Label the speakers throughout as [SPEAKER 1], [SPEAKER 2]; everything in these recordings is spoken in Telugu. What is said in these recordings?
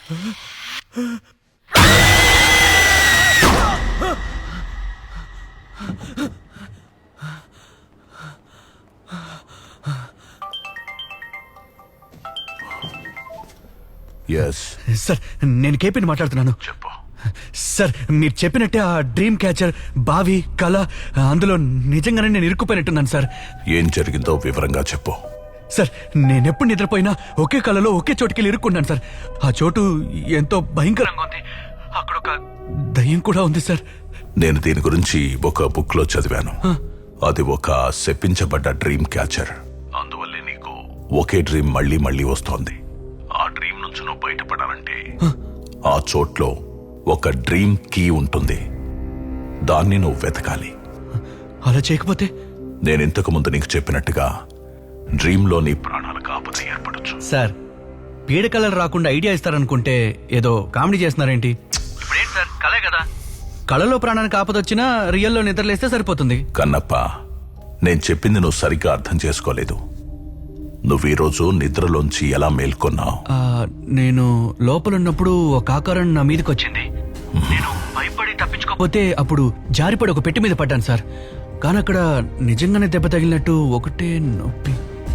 [SPEAKER 1] సార్ నేను కేపీని మాట్లాడుతున్నాను.
[SPEAKER 2] చెప్పు
[SPEAKER 1] సార్ మీరు చెప్పినట్టే ఆ డ్రీమ్ క్యాచర్ బావి కళ అందులో నిజంగానే నేను ఇరుక్కుపోయినట్టున్నాను సార్.
[SPEAKER 2] ఏం జరిగిందో వివరంగా చెప్పు.
[SPEAKER 1] సార్ నేనెప్పుడు నిద్రపోయినా ఒకే కళలో ఒకే చోటుకెళ్ళి ఇరుక్కున్నాను సార్. ఆ చోటు ఎంతో భయంకరంగా ఉంది. అక్కడ ఒక దయ్యం కూడా ఉంది సార్.
[SPEAKER 2] నేను దీని గురించి ఒక బుక్ లో చదివాను. అది ఒక శపించబడ్డ డ్రీమ్ క్యాచర్. అందువల్లే నీకు ఒకే డ్రీమ్ మళ్ళీ మళ్ళీ వస్తోంది. ఆ డ్రీమ్ నుంచి నువ్వు బయటపడాలంటే ఆ చోట్లో ఒక డ్రీమ్ కీ ఉంటుంది. దాన్ని నువ్వు వెతకాలి.
[SPEAKER 1] అలా చేయకపోతే?
[SPEAKER 2] నేను ఇంతకు ముందు నీకు చెప్పినట్టుగా డ్రీమ్ లో నీ ప్రాణాలకు ఆపద ఏర్పడచ్చు.
[SPEAKER 1] సార్ పీడకలలు రాకుండా ఐడియా ఇస్తారనుకుంటే ఏదో కామెడీ చేస్తున్నారేంటి? సార్ కలే కదా, కళలో ప్రాణానికి ఆపదొచ్చినా రియల్లో నిద్రలేస్తే సరిపోతుంది.
[SPEAKER 2] కన్నప్ప, నేను చెప్పింది నువ్వు సరిగ్గా అర్థం చేసుకోలేదు. నువ్వు ఈరోజు నిద్రలోంచి ఎలా మేల్కొన్నావు?
[SPEAKER 1] నేను లోపలున్నప్పుడు ఒక ఆకారం నా మీదకి వచ్చింది. నేను భయపడి తప్పించుకోకపోతే అప్పుడు జారిపడి ఒక పెట్టి మీద పడ్డాను సార్. కానీ అక్కడ నిజంగానే దెబ్బ తగిలినట్టు ఒకటే నొప్పి.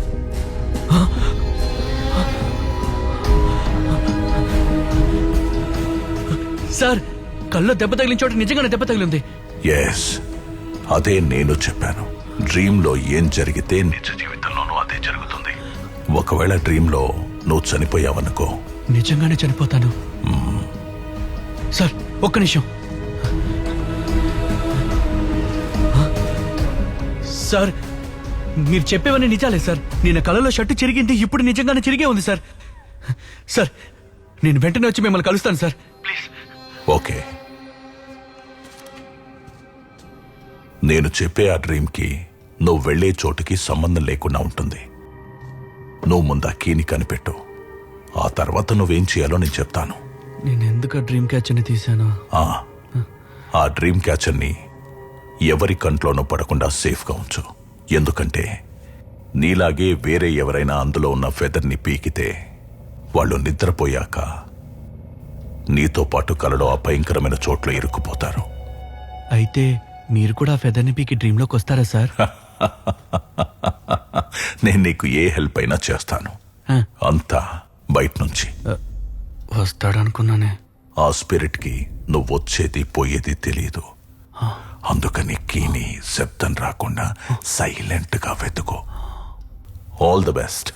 [SPEAKER 1] సార్ కల్లో దెబ్బ తగిలిన చోట నిజంగానే దెబ్బ తగిలింది.
[SPEAKER 2] ఎస్, అదే నేను చెప్పాను. డ్రీమ్ లో ఏం జరిగితే నిజ జీవితంలోనూ అదే జరుగుతుంది. ఒకవేళ డ్రీమ్ లో నువ్వు చనిపోయావనుకో,
[SPEAKER 1] నిజంగానే చనిపోతాను. సార్ ఒక్క నిమిషం. సార్ మీరు చెప్పేవన్నీ నిజాలే సార్. నేను కళలో షర్టు చిరిగింది, ఇప్పుడు నిజంగానే చిరిగే ఉంది సార్. సార్ నేను వెంటనే వచ్చి మిమ్మల్ని కలుస్తాను సార్, ప్లీజ్.
[SPEAKER 2] ఓకే, నేను చెప్పే ఆ డ్రీమ్ కి నువ్వు వెళ్లే చోటుకి సంబంధం లేకుండా ఉంటుంది. నువ్వు ముందు ఆ కీని కనిపెట్టు. ఆ తర్వాత నువ్వేం చేయాలో నేను చెప్తాను.
[SPEAKER 1] నేను ఎందుకు డ్రీమ్ క్యాచర్ని తీశాను?
[SPEAKER 2] ఆ డ్రీమ్ క్యాచర్ని ఎవరి కంట్లోనూ పడకుండా సేఫ్గా ఉంచు. ఎందుకంటే నీలాగే వేరే ఎవరైనా అందులో ఉన్న ఫెదర్ని పీకితే వాళ్ళు నిద్రపోయాక నీతో పాటు కలలో ఆ భయంకరమైన చోట్ల ఇరుక్కుపోతారు.
[SPEAKER 1] అయితే మీరు కూడా ఫెదర్ని పీకి డ్రీమ్లోకి వస్తారా సార్?
[SPEAKER 2] నేను నీకు ఏ హెల్ప్ అయినా చేస్తాను. అంతా బయట నుంచి
[SPEAKER 1] వస్తాడనుకున్నానే.
[SPEAKER 2] ఆ స్పిరిట్ కి నువ్వు వచ్చేది పోయేది తెలియదు. అందుకని కీని శబ్దం రాకుండా సైలెంట్ గా వెతుకో. All the best.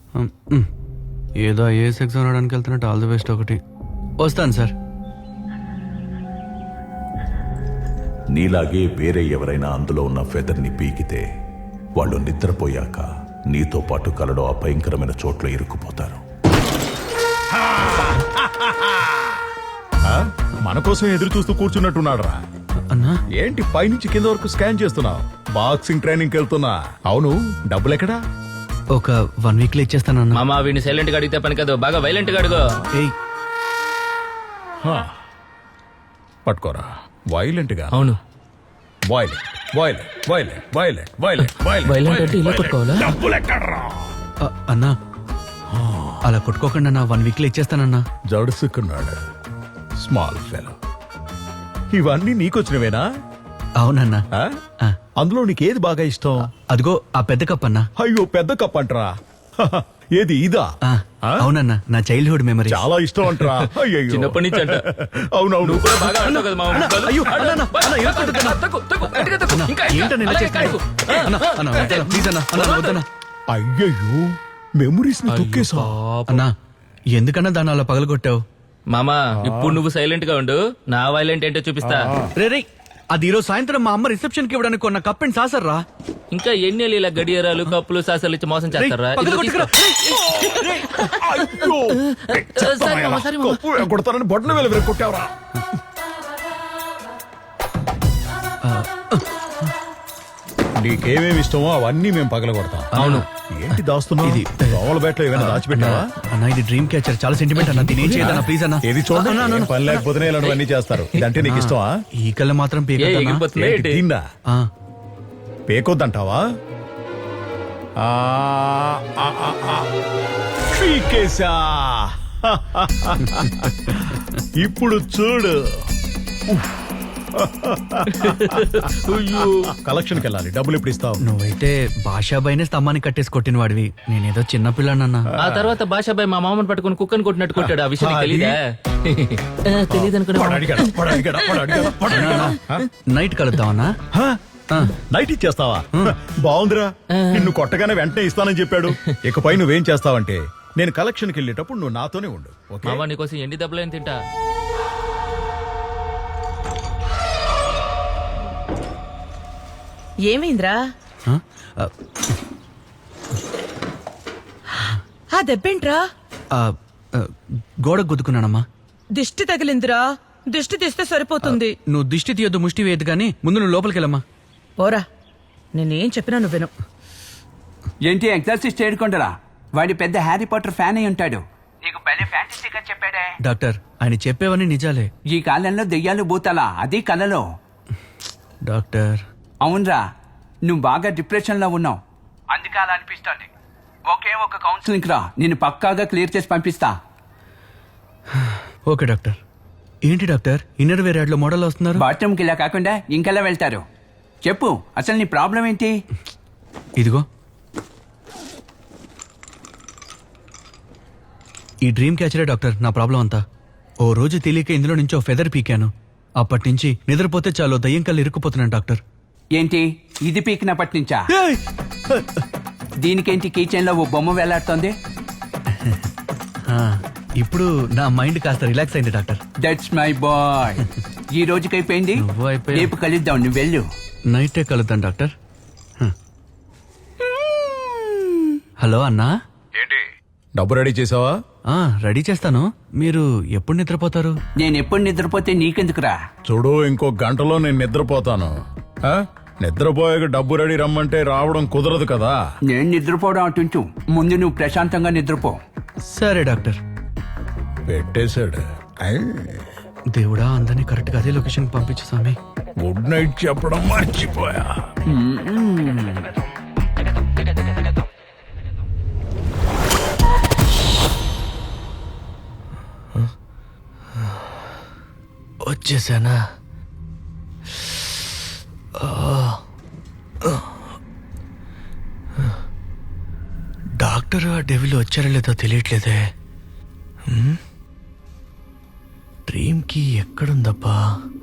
[SPEAKER 1] ఏదో ఐఏఎస్ ఎగ్జామ్ రావడానికి వెళ్తున్నట్టు ఆల్ ది బెస్ట్. ఒకటి వస్తాను సార్.
[SPEAKER 2] నీలాగే వేరే ఎవరైనా అందులో ఉన్న ఫెదర్ని పీకితే వాళ్ళు నిద్రపోయాక నీతో పాటు కలలో ఆ భయంకరమైన చోట్ల ఇరుక్కుపోతారు.
[SPEAKER 3] మన కోసం ఎదురు చూస్తూ కూర్చున్నట్టున్నాడు రా.
[SPEAKER 1] అన్నా
[SPEAKER 3] ఏంటి పైనుంచి కింద వరకు స్కాన్ చేస్తున్నావు? బాక్సింగ్ ట్రైనింగ్ వెళ్తున్నా. అవును, డబ్బులు ఎక్కడా?
[SPEAKER 1] ఒక 1 వీక్ లో ఇచ్చేస్తానన్నా.
[SPEAKER 4] మామ వీడిని సైలెంట్ గా అడిగితే పని కాదు, బాగా వైలెంట్ గా అడుగు.
[SPEAKER 3] పట్టుకోరా. వైలెంట్ గా?
[SPEAKER 4] అవును,
[SPEAKER 3] violent violent violent violent violent
[SPEAKER 4] violent అంటే ఇలా కొట్టుకోవాలా?
[SPEAKER 3] డబ్బులు ఎక్కడ్రా?
[SPEAKER 1] అన్నా అలా కొట్టుకోకుండా నా 1 వీక్ లో ఇచ్చేస్తానన్నా.
[SPEAKER 3] జడుసుకున్నాడు స్మాల్ ఫెలో. ఇవన్నీ నీకొచ్చినవేనా?
[SPEAKER 1] అవునన్నా.
[SPEAKER 3] అందులో నీకేది బాగా ఇష్టం?
[SPEAKER 1] అదిగో ఆ పెద్ద కప్ అన్నా.
[SPEAKER 3] అయ్యో, పెద్ద కప్ అంటరా? ఏది ఇదా?
[SPEAKER 1] అవునన్నా, నా చైల్డ్హుడ్ మెమరీ.
[SPEAKER 3] చాలా ఇష్టం అంటరా?
[SPEAKER 4] చిన్నప్పటి నుంచి అంట.
[SPEAKER 3] అవునవును.
[SPEAKER 4] బాగా ఆడతావు కదా మామ.
[SPEAKER 1] అయ్యో ఏంటన్నా ఇలా చేస్తున్నావు? ప్లీజ్ అన్నా, వద్దన్నా.
[SPEAKER 3] అయ్యయ్యో, మెమరీస్ ని తొక్కేసా.
[SPEAKER 1] అన్నా ఎందుకన్నా దాన్ని అలా పగలగొట్టావు?
[SPEAKER 4] మామా ఇప్పుడు నువ్వు సైలెంట్ గా ఉండు, నా వైలెంట్ ఏంటో చూపిస్తా.
[SPEAKER 1] రే అది ఈరోజు సాయంత్రం మా అమ్మ రిసెప్షన్ కి ఇవ్వడానికి కొన్న కప్ అండ్ సాసర్ రా.
[SPEAKER 4] ఇంకా ఎన్ని ఇలా గడియారాలు కప్పులు సాసాలు ఇచ్చి మోసం చేస్తారా?
[SPEAKER 3] కొడతారని బొట్టన వేలు వేలు కొట్టావరా? నీకేమేమి ఇష్టమో అవన్నీ మేము పగలగొడతాం.
[SPEAKER 4] అవును.
[SPEAKER 3] ఏంటి దాస్తున్నావు? ఇది దోమల బేట్లో ఏమైనా దాచిపెట్టావా?
[SPEAKER 1] అన్నా ఇది డ్రీమ్ క్యాచర్, చాలా సెంటిమెంట్ అన్న. దీని ఏం చేయదన్నా ప్లీజ్ అన్నా.
[SPEAKER 3] ఏది చూడండి, పని లేకపోతేనే ఇలాంటివన్నీ చేస్తారు. ఇదంటే నీకు ఇష్టమా?
[SPEAKER 1] ఈ కళ్ళ మాత్రం
[SPEAKER 3] తిన్నా పేకొద్దంటావా? పీకేశా. ఇప్పుడు చూడు. కలెక్షన్కి వెళ్ళాలి, డబ్బులు ఎప్పుడు ఇస్తావు?
[SPEAKER 1] నువ్వైతే భాషాబాయినే స్తంభాన్ని కట్టేసి కొట్టిన వాడివి, నేనేదో చిన్నపిల్లనన్నా.
[SPEAKER 4] ఆ తర్వాత భాషాబాయ్ మా మామని పట్టుకుని కుక్కని కొట్టినట్టు కొట్టాడు. ఆ విషయం నీకు తెలీదా? తెలీదు
[SPEAKER 3] వాడు అడిగాడా? వాడు అడిగాడా? వాడు అడిగాడా? వాడు అడిగాడా?
[SPEAKER 1] నైట్ కలుద్దామన్నా?
[SPEAKER 3] హ? నైట్ ఇచ్చేస్తావా? బాగుందిరా, నిన్ను కొట్టగానే వెంటనే ఇస్తానని చెప్పాడు. ఇకపై నువ్వేం చేస్తావంటే, నేను కలెక్షన్కి వెళ్ళేటప్పుడు నువ్వు నాతోనే ఉండు, ఓకే?
[SPEAKER 4] మామ నీకోసం ఎండి దెబ్బలేం తింటా.
[SPEAKER 5] ఏమైందిరా?
[SPEAKER 1] ఆ? ఆ,
[SPEAKER 5] ఆ దెబ్బేంట్రా?
[SPEAKER 1] ఆ, ఆ, గోడకు గుద్దుకున్నానమ్మా.
[SPEAKER 5] దిష్టి తగిలిందిరా, దిష్టి తీస్తే సరిపోతుంది.
[SPEAKER 1] నువ్వు దిష్టి తీయొద్దు, ముష్టి వేయద్దు, కానీ ముందు నువ్వు లోపలికి వెళ్ళమ్మా.
[SPEAKER 5] పోరా, నేనేం చెప్పినా నువ్వు విను.
[SPEAKER 6] ఏంటి ఎగ్జార్సిస్ట్ ఏడుకొండరా? వాడి పెద్ద హ్యారీ పాటర్ ఫ్యాన్ అయి ఉంటాడు. నీకు భలే ఫ్యాంటసీగా చెప్పాడే.
[SPEAKER 1] డాక్టర్, ఆయన చెప్పేవన్నీ నిజాలే.
[SPEAKER 6] ఈ కాలంలో దెయ్యాలు భూతాలా, అది కలలో.
[SPEAKER 1] డాక్టర్,
[SPEAKER 6] అవునరా, నువ్వు బాగా డిప్రెషన్ లో ఉన్నావు, అందుకే అలా అనిపిస్తోంది. ఒకే ఒక కౌన్సిలింగ్ రా, నేను పక్కాగా క్లియర్ చేసి పంపిస్తా.
[SPEAKER 1] Okay doctor. ఏంటి డాక్టర్, ఇన్నర్ వేర్ యాడ్లో మోడల్ వస్తున్నారు?
[SPEAKER 6] బాత్రూమ్కి ఇలా కాకుండా ఇంకెలా వెళ్తారు? చెప్పు, అసలు నీ ప్రాబ్లం ఏంటి?
[SPEAKER 1] ఇదిగో ఈ డ్రీమ్ క్యాచరే డాక్టర్ నా ప్రాబ్లం అంతా. ఓ రోజు తెలియక ఇందులో నుంచి ఓ ఫెదర్ పీకాను. అప్పటి నుంచి నిద్రపోతే చాలు దయ్యం కళ్ళు ఇరుక్కుపోతున్నాను డాక్టర్.
[SPEAKER 6] ఏంటి ఇది పీకినప్పటి నుంచా? దీనికేంటి కిచెన్ లో ఓ బొమ్మ వేలాడుతోంది?
[SPEAKER 1] ఆ, ఇప్పుడు నా మైండ్ కాస్త రిలాక్స్ అయింది డాక్టర్.
[SPEAKER 6] That's my boy. ఈ రోజుకి అయిపోయింది,
[SPEAKER 1] నువ్వు అయిపోయావు.
[SPEAKER 6] రేపు కలుద్దాం, నువ్వు వెళ్ళు.
[SPEAKER 1] నైటే కలుద్దాం డాక్టర్. హలో అన్నా.
[SPEAKER 3] డబ్బు రెడీ చేసావా?
[SPEAKER 1] రెడీ చేస్తాను. మీరు ఎప్పుడు నిద్రపోతారు?
[SPEAKER 6] నేను ఎప్పుడు నిద్రపోతే నీకెందుకురా?
[SPEAKER 3] చూడు, ఇంకో గంటలో నేను నిద్రపోతాను. ఆ? నిద్రపోయాక డబ్బు రెడీ రమ్మంటే రావడం కుదరదు కదా.
[SPEAKER 6] నేను నిద్రపోవడం అటుంచు, ముందు నువ్వు ప్రశాంతంగా నిద్రపో.
[SPEAKER 1] సరే డాక్టర్.
[SPEAKER 3] పెట్టేశాడు. ఐ.
[SPEAKER 1] దేవుడా, అందరినీ కరెక్ట్గా అదే లొకేషన్ పంపించు స్వామి.
[SPEAKER 3] గుడ్ నైట్ చెప్పడం మర్చిపోయా.
[SPEAKER 1] వచ్చేసానా? డాక్టర్ ఆ డెవిల్ వచ్చారో లేదో తెలియట్లేదే. డ్రీమ్కి ఎక్కడుందబ్బా?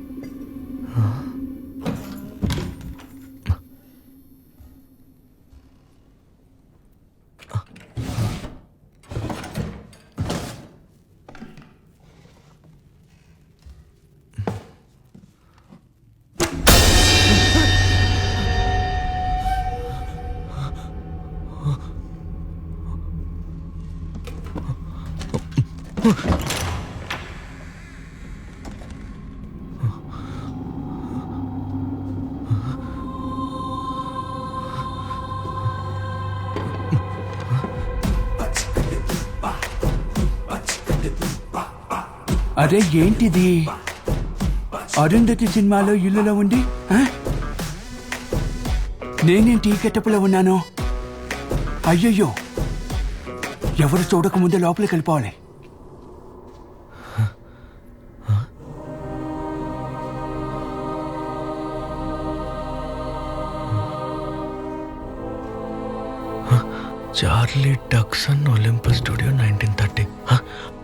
[SPEAKER 6] అరే ఏంటిది? అరుంధతి సినిమాలో ఇల్లులో ఉండి నేనేంటి గెటప్లో ఉన్నాను? అయ్యయ్యో, ఎవరు చూడకముందే లోపలికి వెళ్ళిపోవాలి.
[SPEAKER 1] Charlie Dixon Olympus studio 1930.